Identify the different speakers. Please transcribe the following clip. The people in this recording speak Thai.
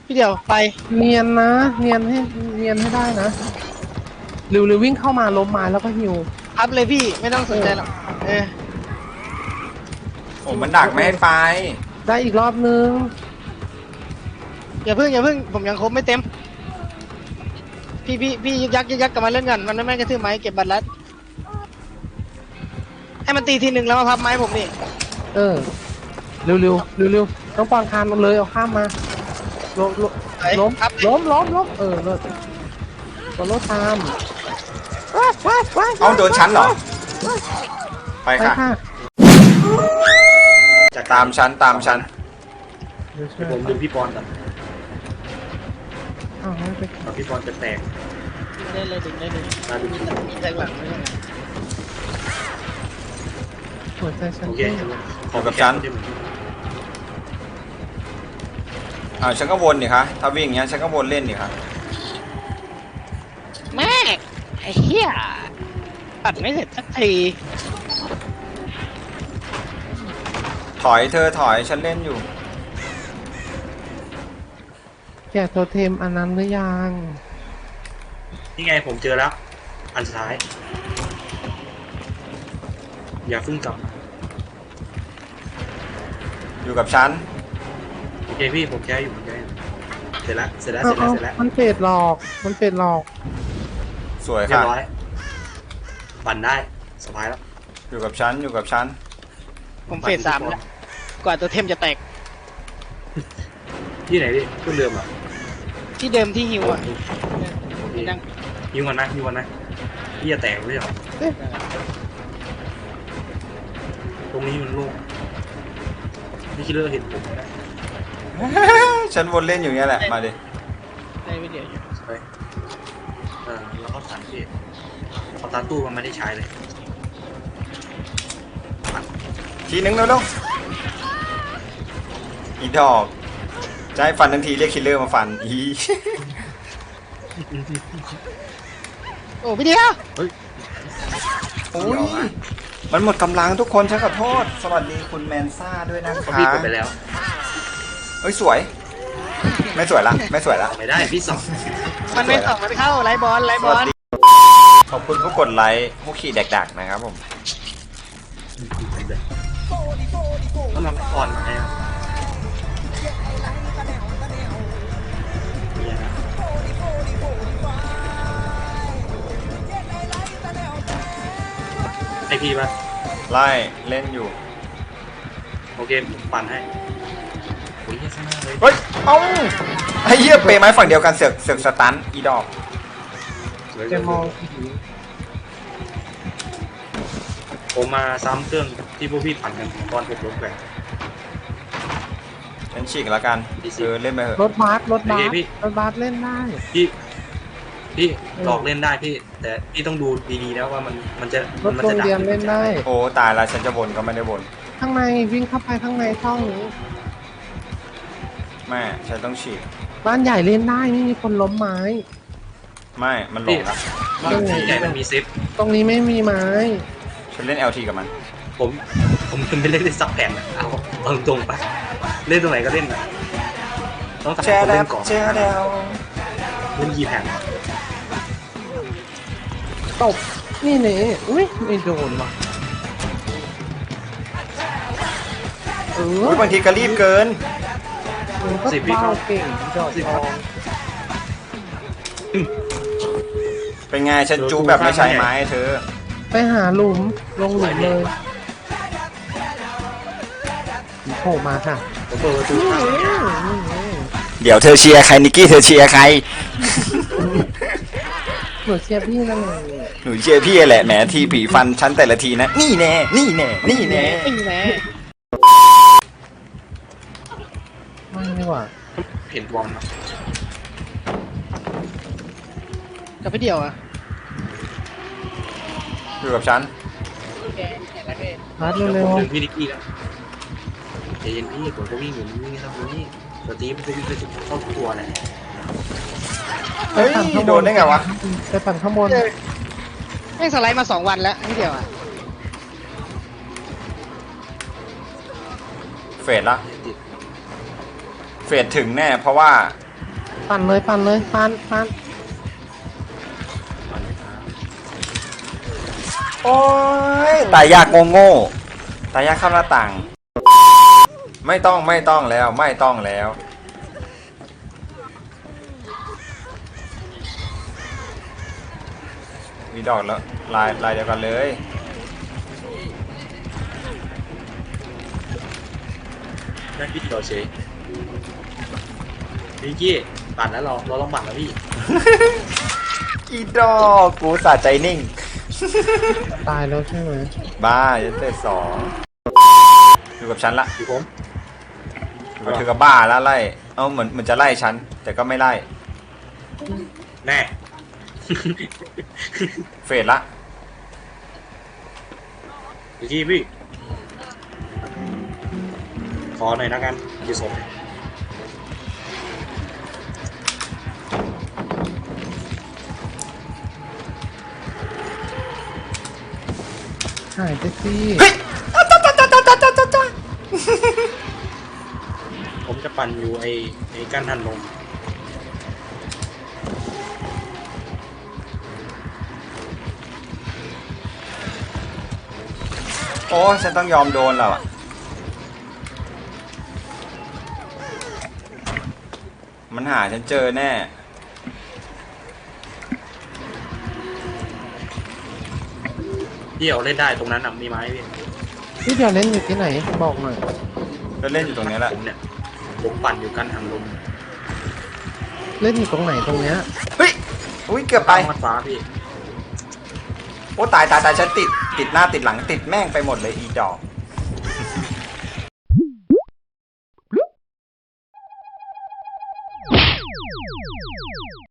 Speaker 1: พี่เดียวไป
Speaker 2: เนียนนะเนียนให้ได้นะเร็ววิ่งเข้ามาล้มไม้แล้วก็ฮิว
Speaker 1: พับเลยพี่ไม่ต้องสนใจหรอก
Speaker 3: โอ้มันดักไม่ให้ไป
Speaker 2: ได้อีกรอบนึง
Speaker 1: อย่าเพิ่งผมยังครบไม่เต็มพี่ยึกยักกลับมาเล่นกันมันไม่กระทืบไม้เก็บบัตรลัดให้มันตีทีหนึ่งแล้วมาพับไม้ผมนี่
Speaker 2: เร็วต้องปอนคานมันเลยเอาข้ามมาล้มเลิศตัวรถตาม
Speaker 3: เอาโดนชั้นเหรอไปค่ะจากตามชั้น
Speaker 4: ผมดึงพี่ปอนก่อนพี่ปอนจะแตก
Speaker 1: ได้เลยดึง
Speaker 4: มาดึง
Speaker 1: แทงหลัง
Speaker 2: หัวใจฉัน
Speaker 4: โอเค
Speaker 3: อยู่กับชั้นฉันก็วนดิคะถ้าวิ่งอย่างเงี้ยฉันก็วนเล่นดิคะ
Speaker 1: แม่ไอ้เหี้ยตัดไม่เสร็จสักที
Speaker 3: ถอยเธอถอยฉันเล่นอยู่
Speaker 2: แกะโทเทมอันนั้นหรือยัง
Speaker 4: นี่ไงผมเจอแล้วอันสุดท้ายอย่าฟึ่งกลับ
Speaker 3: อยู่กับฉัน
Speaker 4: โอเคพี่ผมแค่อยู่เสร็จแล้ว
Speaker 2: มันเฟดหลอก
Speaker 3: สวย
Speaker 4: เรีย
Speaker 3: ค่ะ
Speaker 4: บร้อยปั่นได้สบายแล้ว
Speaker 3: อยู่กับฉัน
Speaker 1: ผมเฟส3แล้วกว่าตัวเทมจะแตก
Speaker 4: ที่ไหนพี่ต้นเดิมอ่ะ
Speaker 1: ที่เดิมที่ฮิวอ่ะ
Speaker 4: ฮิวก่อนนะพี่จะแตกไม่ใช่หรอตรงนี้มันโล่งนี่คิดเรื่องเห็นผมนะ
Speaker 3: ฉันวนเล่นอยู่เงี้ยแหละมาดิ
Speaker 1: ได้วิดีโออยู่
Speaker 4: ไปแล้วก็สั่นพี่เอาตาตู้มันไม่ได้ใช้เลย
Speaker 3: ทีนึงเร็วๆอีดอกจะให้ฟันทันทีเรียกคิลเลอร์มาฟันอี
Speaker 1: โอ้พี่เดียว
Speaker 3: โอ้ยมันหมดกำลังทุกคนฉันขอโทษสวัสดีคุณแมนซ่าด้วยนะคะ
Speaker 4: พี่กดไปแล้ว
Speaker 3: เฮ้ยสวยไม่สวยละไม่
Speaker 4: ได้พี่สอง
Speaker 1: มันไม่ส่องมันเข้าไลบอล
Speaker 3: ขอบคุณผู้กดไลค์ผู้ขี่แดกๆนะครับผม
Speaker 4: ก็มาก่อนแล้วไอพีป่ะ
Speaker 3: ไล่เล่นอยู่
Speaker 4: โอเคผมปั่นให้โอ้ยข้างหน้าเลย
Speaker 3: เฮ้ยเอ้าไอ้เหี้ยเปย์ไม้ฝั่งเดียวกันเสือกสตันอีดอก
Speaker 2: จะมอง
Speaker 4: ผมมาซ้ำเครื่องที่พวกพี่ปั่นกันตอนผมล้มแกว่ง
Speaker 3: ฉันฉีกแล้วกันเล่นไปเถอะ
Speaker 2: รถบัสเล่นได้
Speaker 4: พี่หลอกเล่นได้พี่แต่พี่ต้องดูดีๆนะว่ามันจะ
Speaker 2: รถโรงเรียนเล่นได้
Speaker 3: โอ้ตายแล้วฉันจะวนก็ไม่ได้วน
Speaker 2: ข้างในวิ่งเข้าไปข้างในช่องนี้
Speaker 3: แม่ฉันต้องฉีก
Speaker 2: บ้านใหญ่เล่นได้ไม่มีคนล้มไม้
Speaker 3: ไม่มันลงแล้ว
Speaker 4: บ้านใหญ่มันมีซิป
Speaker 2: ตรงนี้ไม่มีไม้
Speaker 3: ฉันเล่น LT กับมัน
Speaker 4: ผมไม่เล่นซับแผ่นเอาตรงไปเล่นตรงไหนก็เล่นนะต้องตัดคนเล่นก่อนเล่นกี่แผ่น
Speaker 2: ตบนี่เน่อุ้ยไม่โดนว่ะ
Speaker 3: บางทีก็รีบเกิน
Speaker 2: 10 วิเข้าเก่งจอดทอง
Speaker 3: เป็นไงฉันจูแบบไม่ใช้ไม้เธอ
Speaker 2: ไปหาหลุมลงหลุมเลยโผล่มาค่ะ
Speaker 4: เปิดประตู
Speaker 3: เดี๋ยวเธอเชียร์ใครนิกกี้เธอเชียร์ใคร
Speaker 2: หนูเชียร์พี่นั่นเลย
Speaker 3: หนูเชียร์พี่แหละแหมทีผีฟันชั้นแต่ละทีนะนี่แน่ไม่
Speaker 2: ดีกว่า
Speaker 4: เห็นบอลนะ
Speaker 1: กับพี่เดียวอ่ะ
Speaker 3: อยู่กับฉัน
Speaker 2: พัดเร็ว
Speaker 4: ๆพี่นิกกี้แล้วใจเย็นพี่ผมก็วิ่งอยู่นี่ครับนี่สตีฟมันก็วิ่งไปถึงเข้าตัวแหละ
Speaker 3: เฮ้ยโดนได้ไงวะ
Speaker 2: ไปปั่นข้างบน
Speaker 1: แม่งสไลด์มา2 วันแล้วพี่เดียวอ่ะ
Speaker 3: เฟดละเฟดถึงแน่เพราะว่า
Speaker 2: ปั่นเลยปั่นเลยปั่นปั่น
Speaker 3: โอ้ยตายยากโง่ๆตายยากข้ามหน้าต่าง ไม่ต้องแล้วไม่ต้องแล้วมีดอกแล้วลายเดียวกันเลย
Speaker 4: นั่นพี่เราเฉยพี่กี้ปั่นแล้วเราต้องปั่นแล้วพี่
Speaker 3: อีดอกกูสะใจนิ่ง
Speaker 2: ตายแล้วใช่ไหม
Speaker 3: บ้าจะเตะสองอยู่กับฉันละ
Speaker 4: พี่ผม
Speaker 3: อยู่กับเธอกับบ้าแล้วไล่เอาเหมือนจะไล่ฉันแต่ก็ไม่ไล่
Speaker 4: แน่
Speaker 3: เฟดละ
Speaker 4: พี่กี้พี่ขอหน่อยนะกันพี่สม
Speaker 2: หายไปสิ
Speaker 3: เฮ้ย
Speaker 4: ผมจะปั่นอยู่ไอ้กั้นทันลม
Speaker 3: โอ้ฉันต้องยอมโดนแล้วอ่ะมันหาฉันเจอแน่
Speaker 4: พี่เอาเล่นได้ตรงนั้นน่ะมีไม้พี่
Speaker 2: พี่เดียวเล่นอยู่ที่ไหนบอกหน่อย
Speaker 3: แล้วเล่นอยู่ตรงนี้แหละ
Speaker 4: ผมเนี่ยผมปั่นอยู่กั้นทันลม
Speaker 2: เล่นอยู่ตรงไหนตรงเนี้ย
Speaker 3: เฮ้ยอุ้ยเกือบไป
Speaker 4: มัดฟ้าพี่
Speaker 3: โอ้ตายฉันติดหน้าติดหลังติดแม่งไปหมดเลยอีดอก